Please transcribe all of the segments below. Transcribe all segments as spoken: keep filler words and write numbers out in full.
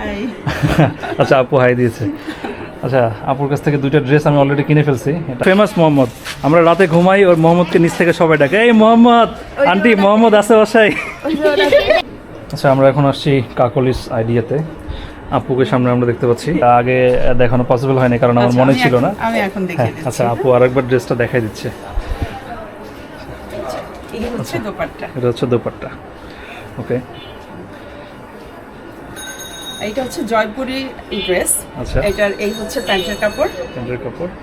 আচ্ছা আপু হাই দিয়েছে। আচ্ছা আপুর কাছ থেকে দুইটা ড্রেস আমি অলরেডি কিনে ফেলছি। ফেমাস মোহাম্মদ, আমরা রাতে ঘুমাই ওর মোহাম্মদকে নিচ থেকে সবাই ডাকে, এই মোহাম্মদ আন্টি মোহাম্মদ আছে বাসায়। আচ্ছা আমরা এখন আসছি কাকলিস আইডিয়াতে। আপুকে সামনে আমরা দেখতে পাচ্ছি, আগে দেখানো পসিবল হয়নি কারণ আমার মনে ছিল না। আমি এখন দেখিয়ে দিচ্ছি। আচ্ছা আপু আরেকবার ড্রেসটা দেখাই দিচ্ছে। এই হচ্ছে দোপাট্টা, এটা হচ্ছে দোপাট্টা। ওকে, এইটা হচ্ছে জয়পুরি ড্রেস। আচ্ছা এটার এই হচ্ছে প্যান্টের কাপড়, প্যান্টের কাপড়।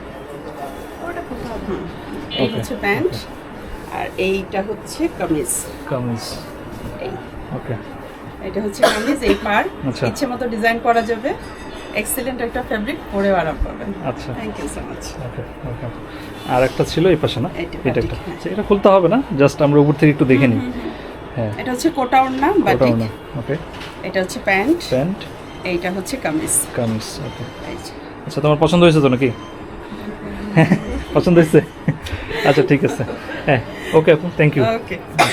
এই হচ্ছে প্যান্ট, আর এইটা হচ্ছে কামিজ। কামিজ, এই ওকে এটা হচ্ছে কামিজ, এই পার আচ্ছা। ইচ্ছে মতো ডিজাইন করা যাবে। এক্সিলেন্ট একটা ফেব্রিক, পরে আরাম পাবেন। আচ্ছা thank you so much. Okay okay. আর একটা ছিল এই পাশে না, এটা এটা একটা। বাটিক, হ্যাঁ। আচ্ছা, এটা খুলতে হবে না, জাস্ট আমরা উপর থেকে একটু দেখে নিই। হ্যাঁ এটা হচ্ছে কোটা ওড়না ওটাও বাটিক, না। ওকে, এটা হচ্ছে প্যান্ট, প্যান্ট এইটা হচ্ছে কামিজ। কামিজ। ওকে এই যে। আচ্ছা তোমার পছন্দ হয়েছে তো নাকি? পছন্দ হয়েছে? আচ্ছা ঠিক আছে, হ্যাঁ ওকে আপু থ্যাংক ইউ। ওকে,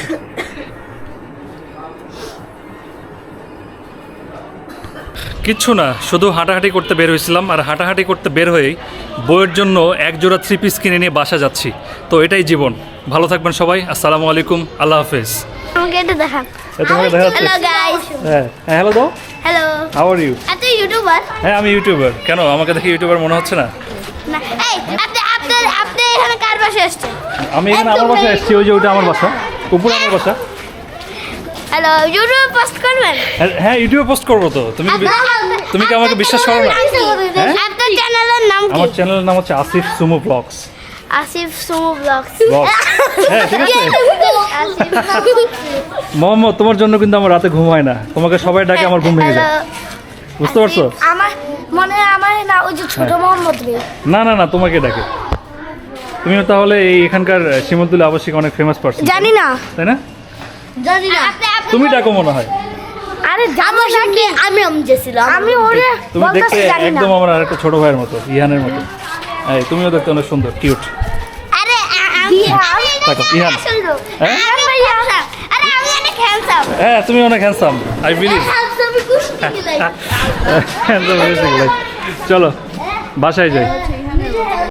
কিচ্ছু না, শুধু হাঁটাহাঁটি করতে বের হয়েছিলাম, আর হাঁটাহাঁটি করতে বের হয়েই বইয়ের জন্য এক জোড়া থ্রি পিস কিনে নিয়ে বাসা যাচ্ছি। তো এটাই জীবন। ভালো থাকবেন সবাই, আসসালামু আলাইকুম, আল্লাহ হাফেজ। আমাকে এটা দেখান। এ, তোমাকে দেখা যাচ্ছে? Hello guys. হ্যাঁ হ্যাঁ হ্যালো দাও। হ্যালো। How are you? আপনি ইউটিউবার? হ্যাঁ আমি ইউটিউবার। কেন আমাকে দেখে ইউটিউবার মনে হচ্ছে না? না, এই আপনি আপনি আপনি এখানে কার পাশে আসছেন? আমি এখানে আমার বাসায় এসেছি, ওই যে ওইটা আমার বাসা, উপরে আমার বাসা। হ্যালো, ইউটিউবে পোস্ট করবেন? হ্যাঁ, হ্যাঁ ইউটিউবে পোস্ট করবো তো। তুমি কি তুমি কি আমাকে বিশ্বাস করো না? হ্যাঁ? আপনার চ্যানেলের নাম কি? আমার চ্যানেলের নাম হচ্ছে Asif Sumo vlogs. Asif Sumo vlogs. Vlogs, হ্যাঁ ঠিক আছে। আসিফ মোহাম্মদ তোমার জন্য কিন্তু আমার রাতে ঘুম হয় না, তোমাকে সবাই ডাকে আমার ঘুম ভেঙে যায়, বুঝতে পারছো? আমার মনে হয় আমার না ওই যে ছোট মোহাম্মদ রে। না না না তোমাকে ডাকে। তুমিও তাহলে এই এখানকার সীমন্তুল আবাসিক অনেক ফেমাস পারসন, জানি না। তাই না? জানি না। তুমি ডাকো মনে হয়। আরে জানো নাকি আমি আমজেছিলাম। আমি ওরে তুমি দেখতে একদম আমার আরেকটা ছোট ভাইয়ের মতো, ইহানের মতো। এই তুমিও দেখতে অনেক সুন্দর, কিউট। আরে আমি দেখো, ইহান। হ্যাঁ? ইহান ভাইয়া। আরে আমি অনেক হ্যান্ডসাম। হ্যাঁ তুমি অনেক হ্যান্ডসাম, আই বিলিভ। হ্যান্ডসাম কুস্তি খেলাই। চলো বাসায় যাই।